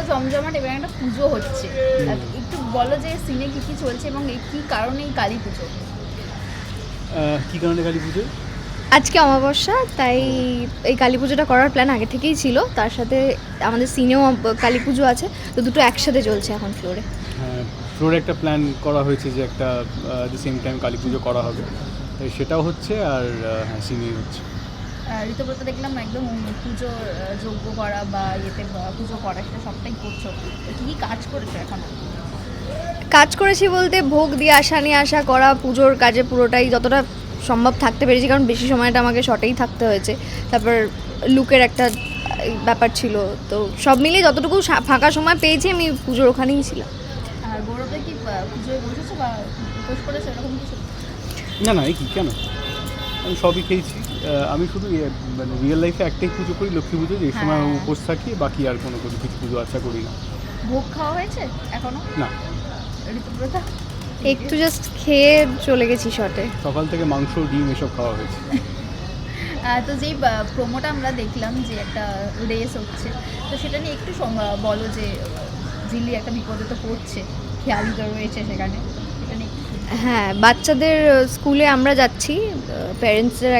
জমজমাট এবং একটা পুজো হচ্ছে, একটু বলো যে সিনে কী কী চলছে এবং কী কারণে এই কালী পুজো? কী কারণে কালী পুজো? আজকে অমাবস্যা, তাই এই কালী পুজোটা করার প্ল্যান আগে থেকেই ছিল। তার সাথে আমাদের সিনেও কালী পুজো আছে, তো দুটো একসাথে চলছে এখন ফ্লোরে। হ্যাঁ, ফ্লোরে একটা প্ল্যান করা হয়েছে যে একটা দ্য সেম টাইম কালী পুজো করা হবে, তাই সেটাও হচ্ছে। আর হ্যাঁ, সিনেই হচ্ছে। ঋতুব্রত দেখলাম একদম পুজোর যজ্ঞ করা বা ইয়েতে পুজো করা, সেটা সবটাই করছো। কী কী কাজ করেছো এখন? কাজ করেছি বলতে ভোগ দিয়ে আসা, নিয়ে আসা, করা, পুজোর কাজে পুরোটাই যতটা সম্ভব থাকতে পেরেছি, কারণ বেশি সময়টা আমাকে শর্টেই থাকতে হয়েছে। তারপর লুকের একটা ব্যাপার ছিল, তো সব মিলিয়ে যতটুকু ফাঁকা সময় পেয়েছি আমি পুজোর ওখানেই ছিলাম। আর গৌরবদা কি পুজোয় বসেছো বা উপোস করেছো এরকম কিছু? না না, এই কি কেন, আমি সবই খেয়েছি। আমি শুধু মানে রিয়েল লাইফে একটাই পুজো করি, লক্ষ্মী পুজো, যে সময় হ্যাঁ। উপোস থাকি, বাকি আর কোনো কিছু পুজো আচ্ছা করি না। ভোগ খাওয়া হয়েছে এখনো? না, ঋতুব্রতা একটু জাস্ট খেয়ে চলে গেছি শর্টে। সকাল থেকে মাংস, ডিম এসব খাওয়া হয়েছে। তো যেই প্রোমোটা আমরা দেখলাম যে একটা রেস হচ্ছে, তো সেটা নিয়ে একটু বলো যে ঝিল্লি একটা বিপদে তো পড়ছে, খেয়ালি তো রয়েছে সেখানে, সেটা নিয়ে একটু হ্যাঁ, বাচ্চাদের স্কুলে আমরা যাচ্ছি, প্যারেন্টসের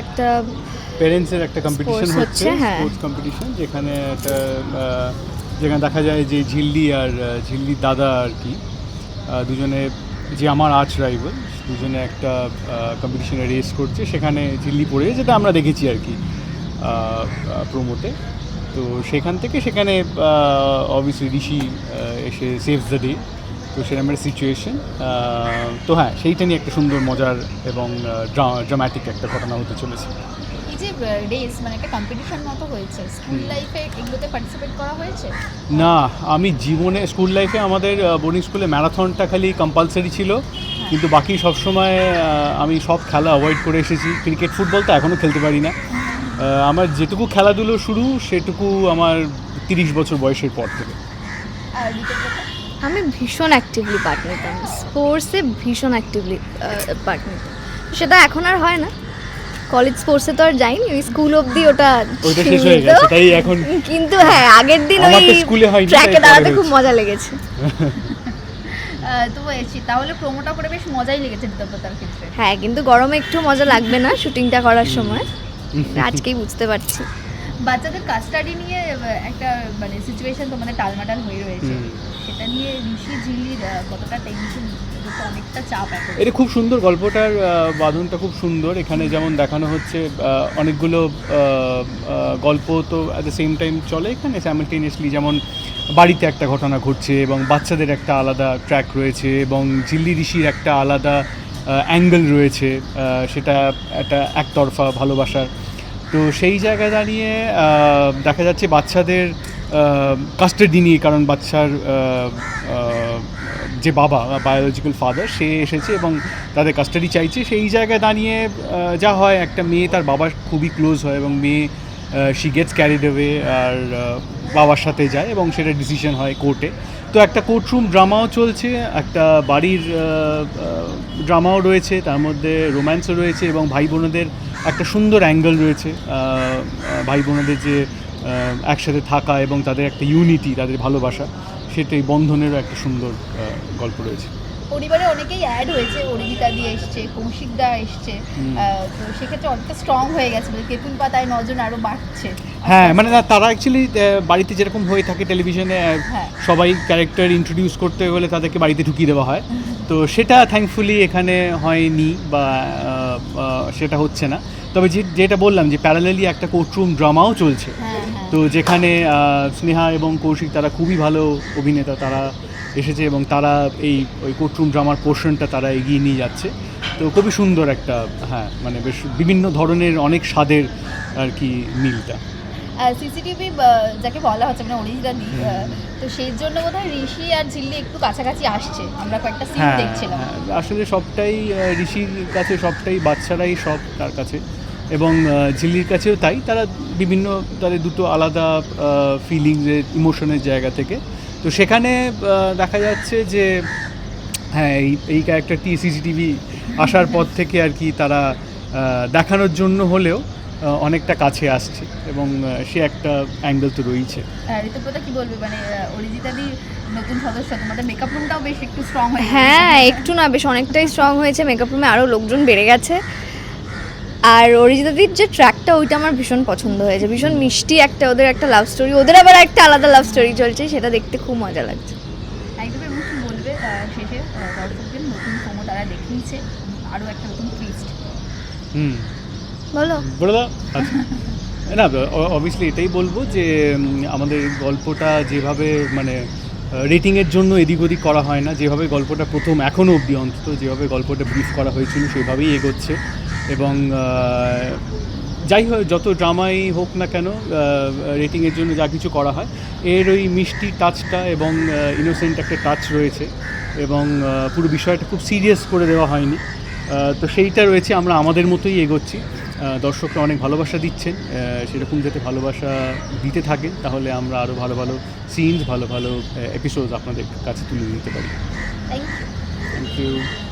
একটা কম্পিটিশন Sports হচ্ছে, হচ্ছে, হ্যাঁ। স্পোর্টস কম্পিটিশন, যেখানে একটা যেখানে দেখা যায় যে ঝিল্লি আর ঝিল্লির দাদা আর কি, দুজনে, যে আমার আর্চ রাইভাল, দুজনে একটা কম্পিটিশনে রেস করছে, সেখানে ঝিল্লি পড়ে, যেটা আমরা দেখেছি আর কি প্রোমোতে। তো সেখান থেকে সেখানে অবভিয়াসলি ঋষি এসে সেভস দ্য ডে, তো সেরকম একটা সিচুয়েশন। তো হ্যাঁ, সেইটা নিয়ে একটা সুন্দর মজার এবং ড্রামাটিক একটা ঘটনা হতে চলেছে। এই যে রেস মানে একটা কম্পিটিশন মতো হয়েছে, স্কুল লাইফে এগুলোতে পার্টিসিপেট করা হয়েছে? না, আমি জীবনে স্কুল লাইফে আমাদের বোর্ডিং স্কুলে ম্যারাথনটা খালি কম্পালসারি ছিল, কিন্তু বাকি সব সময় আমি সব খেলা অ্যাভয়েড করে এসেছি। ক্রিকেট, ফুটবল তো এখনও খেলতে পারি না। আমার যেটুকু খেলাধুলো শুরু, সেটুকু আমার 30 বছর বয়সের পর থেকে। আর ঋতুব্রতা? আমি ভীষণ অ্যাক্টিভলি পার্ট নিতাম, স্পোর্টসে ভীষণ অ্যাক্টিভলি পার্ট নিতাম। সেটা এখন আর হয় না, কলেজ স্পোর্টসে তো আর যাইনি, ওই স্কুল অবধি ওটা শেষ হয়ে গেছে, তাই এখন। কিন্তু হ্যাঁ, আগের দিন আমার ওই তো স্কুলে হয়নি, তাই ট্র্যাকে পরে দাঁড়াতে খুব হয়েছে। মজা লেগেছে। তো তাহলে প্রোমোটা করে বেশ মজাই লেগেছে ঋতুব্রতার ক্ষেত্রে। হ্যাঁ, কিন্তু গরমে একটু মজা লাগবে না শুটিংটা করার সময়, আজকেই বুঝতে পারছি। বাচ্চাদের কাস্টাডি নিয়ে একটা মানে সিচুয়েশন তোমাদের টালমাটাল হয়ে রয়েছে, সেটা নিয়ে ঋষি ঝিল্লির কতটা টেনশন, অনেকটা চাপ এখন। এটা খুব সুন্দর, গল্পটার বাঁধনটা খুব সুন্দর। এখানে যেমন দেখানো হচ্ছে অনেকগুলো গল্প তো অ্যাট দ্য সেম টাইম চলে এখানে স্যাইমালটেনিয়াসলি, যেমন বাড়িতে একটা ঘটনা ঘটছে এবং বাচ্চাদের একটা আলাদা ট্র্যাক রয়েছে এবং ঝিল্লি ঋষির একটা আলাদা অ্যাঙ্গেল রয়েছে, সেটা একটা একতরফা ভালোবাসার। তো সেই জায়গায় দাঁড়িয়ে দেখা যাচ্ছে বাচ্চাদের কাস্টাডি নিয়ে, কারণ বাচ্চার যে বাবা, বায়োলজিক্যাল ফাদার, সে এসেছে এবং তাদের কাস্টাডি চাইছে। সেই জায়গায় দাঁড়িয়ে যা হয়, একটা মেয়ে তার বাবার খুবই ক্লোজ হয় এবং মেয়ে শি গেটস ক্যারিড অ্যাওয়ে আর বাবার সাথে যায় এবং সেটা ডিসিশন হয় কোর্টে। তো একটা কোর্টরুম ড্রামাও চলছে, একটা বাড়ির ড্রামাও রয়েছে, তার মধ্যে রোম্যান্সও রয়েছে এবং ভাই বোনেদের একটা সুন্দর অ্যাঙ্গেল রয়েছে। ভাই বোনেদের যে একসাথে থাকা এবং তাদের একটা ইউনিটি, তাদের ভালোবাসা, সেটাই বন্ধনেরও একটা সুন্দর গল্প রয়েছে। পরিবারে অনেকেই অ্যাড হয়েছে, অরিজিতা দিয়ে এসছে, কৌশিকদা এসছে, তো সেক্ষেত্রে অনেকটা স্ট্রং হয়ে গেছে, তেঁতুল পাতায় নজন আরও বাড়ছে। হ্যাঁ, মানে তারা অ্যাকচুয়ালি বাড়িতে যেরকম হয়ে থাকে টেলিভিশনে, সবাই ক্যারেক্টার ইন্ট্রোডিউস করতে হলে তাদেরকে বাড়িতে ঢুকিয়ে দেওয়া হয়, তো সেটা থ্যাঙ্কফুলি এখানে হয়নি বা সেটা হচ্ছে না। তবে যেটা বললাম যে প্যারালালি একটা কোর্টরুম ড্রামাও চলছে, তো যেখানে স্নেহা এবং কৌশিক তারা খুবই ভালো অভিনেতা, তারা এসেছে এবং তারা ওই কোর্টরুম ড্রামার পোর্শনটা তারা এগিয়ে নিয়ে যাচ্ছে। তো খুবই সুন্দর একটা, হ্যাঁ, মানে বেশ বিভিন্ন ধরনের অনেক স্বাদের আর কি মিলটা। সিসিটিভি যাকে বলা হচ্ছে মানে অরিজিনাল, তো সেই জন্য বোধহয় ঋষি আর ঝিল্লি একটু কাছাকাছি আসছে, আমরা কয়েকটা সিন দেখছিলাম। আসলে সবটাই ঋষির কাছে, সবটাই বাচ্চারাই সব তার কাছে, এবং ঝিল্লির কাছেও তাই। তারা বিভিন্ন, তাদের দুটো আলাদা ফিলিংসের, ইমোশনের জায়গা থেকে। তো সেখানে দেখা যাচ্ছে যে হ্যাঁ, এই ক্যারেক্টারটি সিসিটিভি আসার পর থেকে আর কি তারা দেখানোর জন্য হলেও অনেকটা কাছে আসছে এবং সে একটা অ্যাঙ্গেল তো রয়েছে। ঋতুপ্রতা কি বলবে, মানে অরিজিতাদি নতুন সদস্য, তোমাদের মেকআপ রুমটাও বেশ একটু স্ট্রং হয়েছে। হ্যাঁ একটু না বেশ অনেকটাই স্ট্রং হয়েছে, মেকআপ রুমে আরও লোকজন বেড়ে গেছে। আর অরিজিতাদির যে ট্র্যাকটা ওইটা আমার ভীষণ পছন্দ হয়েছে, ভীষণ মিষ্টি একটা ওদের একটা লাভ স্টোরি, ওদের আবার একটা আলাদা লাভ স্টোরি চলছে, সেটা দেখতে খুব মজা লাগছে। একদম। এবং কি বলবে শেষে দর্শকদের নতুন প্রোমো তারা দেখিয়েছে, আরও একটা নতুন টুইস্ট। বলো। বলে দাও। আচ্ছা না, অবভিয়াসলি এটাই বলবো যে আমাদের গল্পটা যেভাবে মানে রেটিংয়ের জন্য এদিক ওদিক করা হয় না, যেভাবে গল্পটা প্রথম এখনও অবধি অন্তত যেভাবে গল্পটা ব্রিফ করা হয়েছিল সেভাবেই এগোচ্ছে। এবং যাই হয় যত ড্রামাই হোক না কেন, রেটিংয়ের জন্য যা কিছু করা হয় এর ওই মিষ্টি টাচটা এবং ইনোসেন্ট একটা টাচ রয়েছে, এবং পুরো বিষয়টা খুব সিরিয়াস করে দেওয়া হয়নি। তো সেইটা রয়েছে, আমরা আমাদের মতোই এগোচ্ছি। দর্শকরা অনেক ভালোবাসা দিচ্ছেন, সেরকম যাতে ভালোবাসা দিতে থাকেন তাহলে আমরা আরও ভালো ভালো সিনস, ভালো ভালো এপিসোড আপনাদের কাছে তুলে দিতে পারি। Thank you. Thank you.